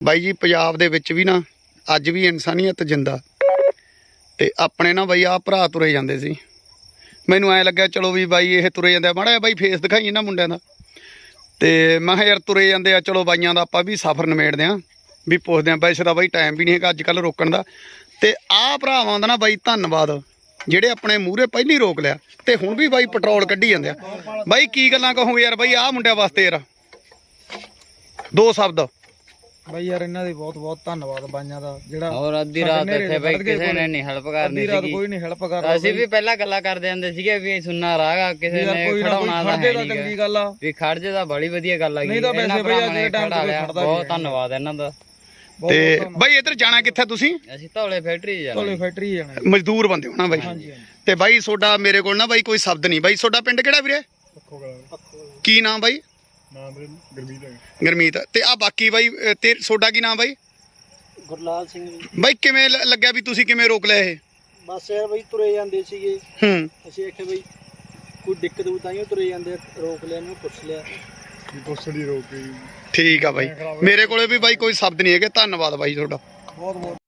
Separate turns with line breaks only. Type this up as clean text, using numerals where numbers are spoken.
ਬਾਈ ਜੀ ਪੰਜਾਬ ਦੇ ਵਿੱਚ ਵੀ ਨਾ ਅੱਜ ਵੀ ਇਨਸਾਨੀਅਤ ਜਿੰਦਾ ਤੇ ਆਪਣੇ ਨਾ ਬਾਈ ਆ ਭਰਾ ਤੁਰੇ ਜਾਂਦੇ ਸੀ। ਮੈਨੂੰ ਐਂ ਲੱਗਿਆ ਚਲੋ ਵੀ ਬਾਈ ਇਹ ਤੁਰੇ ਜਾਂਦੇ ਆ, ਮਾੜਾ ਜਿਹਾ ਬਾਈ ਫੇਸ ਦਿਖਾਈ ਇਹਨਾਂ ਮੁੰਡਿਆਂ ਦਾ। ਤੇ ਮੈਂ ਕਿਹਾ ਯਾਰ ਤੁਰੇ ਜਾਂਦੇ ਆ, ਚਲੋ ਬਾਈਆਂ ਦਾ ਆਪਾਂ ਵੀ ਸਫ਼ਰ ਨਿਬੇੜਦੇ ਆ, ਵੀ ਪੁੱਛਦੇ ਆ। ਵੈਸੇ ਤਾਂ ਬਾਈ ਟਾਈਮ ਵੀ ਨਹੀਂ ਹੈਗਾ ਅੱਜ ਕੱਲ੍ਹ ਰੋਕਣ ਦਾ। ਤੇ ਆਹ ਭਰਾਵਾਂ ਦਾ ਨਾ ਬਾਈ ਧੰਨਵਾਦ ਜਿਹੜੇ ਆਪਣੇ ਮੂਹਰੇ ਪਹਿਲੀ ਰੋਕ ਲਿਆ ਤੇ ਹੁਣ ਵੀ ਬਾਈ ਪੈਟਰੋਲ ਕੱਢੀ ਜਾਂਦੇ ਆ। ਬਾਈ ਕੀ ਗੱਲਾਂ ਕਹੋਗੇ ਯਾਰ ਬਾਈ ਆਹ ਮੁੰਡਿਆਂ ਵਾਸਤੇ ਯਾਰ ਦੋ ਸ਼ਬਦ।
ਬਾਈ ਯਾਰ ਇਹਨਾਂ ਦੇ ਬਹੁਤ ਬਹੁਤ ਧੰਨਵਾਦ ਬਾਈਆਂ ਦਾ ਜਿਹੜਾ
ਹੋਰ ਅੱਧੀ ਰਾਤ ਇੱਥੇ ਬਾਈ ਕਿਸੇ ਨੇ ਨਹੀਂ ਹੈਲਪ ਕਰਨੀ ਸੀਗੀ।
ਕੋਈ ਨਹੀਂ ਹੈਲਪ ਕਰਦਾ।
ਅਸੀਂ ਵੀ ਪਹਿਲਾਂ ਗੱਲਾਂ ਕਰਦੇ ਜਾਂਦੇ ਸੀਗੇ ਵੀ ਸੁਣਨਾ ਰਾਗਾ ਕਿਸੇ ਨੇ ਖੜਾਉਣਾ ਦਾ ਹੈ
ਚੰਗੀ ਗੱਲ ਆ
ਵੀ ਖੜ ਜੇ ਤਾਂ ਬੜੀ ਵਧੀਆ ਗੱਲ ਆ।
ਨਹੀਂ ਤਾਂ ਵੈਸੇ ਬਾਈ ਅੱਜ ਦੇ ਟਾਈਮ ਤੇ ਖੜਦਾ।
ਬਹੁਤ ਧੰਨਵਾਦ ਇਹਨਾਂ ਦਾ।
ਤੇ ਬਾਈ ਇੱਧਰ ਜਾਣਾ ਕਿੱਥੇ ਤੁਸੀਂ?
ਅਸੀਂ ਧੌਲੇ ਫੈਕਟਰੀ ਜਾਣਾ।
ਧੌਲੇ ਫੈਕਟਰੀ ਜਾਣਾ।
ਮਜ਼ਦੂਰ ਬੰਦੇ ਹੋ ਨਾ ਬਾਈ। ਤੇ ਬਾਈ ਤੁਹਾਡਾ ਮੇਰੇ ਕੋਲ ਨਾ ਬਾਈ ਕੋਈ ਸ਼ਬਦ ਨਹੀਂ। ਬਾਈ ਤੁਹਾਡਾ ਪਿੰਡ ਕਿਹੜਾ ਵੀਰੇ? ਕੀ ਨਾਮ ਬਾਈ? ਗੁਰਮੀਤ। ਤੇ ਆ ਬਾਕੀ ਬਾਈ ਤੇ ਤੁਹਾਡਾ ਕੀ ਨਾਮ ਬਾਈ?
ਗੁਰਲਾਲ ਸਿੰਘ ਜੀ।
ਬਾਈ ਕਿਵੇਂ ਲੱਗਿਆ ਵੀ ਤੁਸੀਂ ਕਿਵੇਂ ਰੋਕ ਲਿਆ ਇਹ?
ਬਸ ਯਾਰ ਬਾਈ ਤੁਰੇ ਜਾਂਦੇ ਸੀਗੇ। ਅਸੀਂ ਆਖਿਆ ਬਾਈ ਕੋਈ ਦਿੱਕਤ ਹੋਊ ਤਾਂ ਹੀ ਤੁਰੇ ਜਾਂਦੇ, ਰੋਕ ਲਿਆ ਇਹਨੂੰ, ਪੁੱਛ ਲਿਆ
ਠੀਕ ਆ ਬਾਈ। ਮੇਰੇ ਕੋਲੇ ਵੀ ਬਾਈ ਕੋਈ ਸ਼ਬਦ ਨਹੀਂ ਹੈਗੇ। ਧੰਨਵਾਦ ਬਾਈ ਤੁਹਾਡਾ।
ਬਹੁਤ ਬਹੁਤ।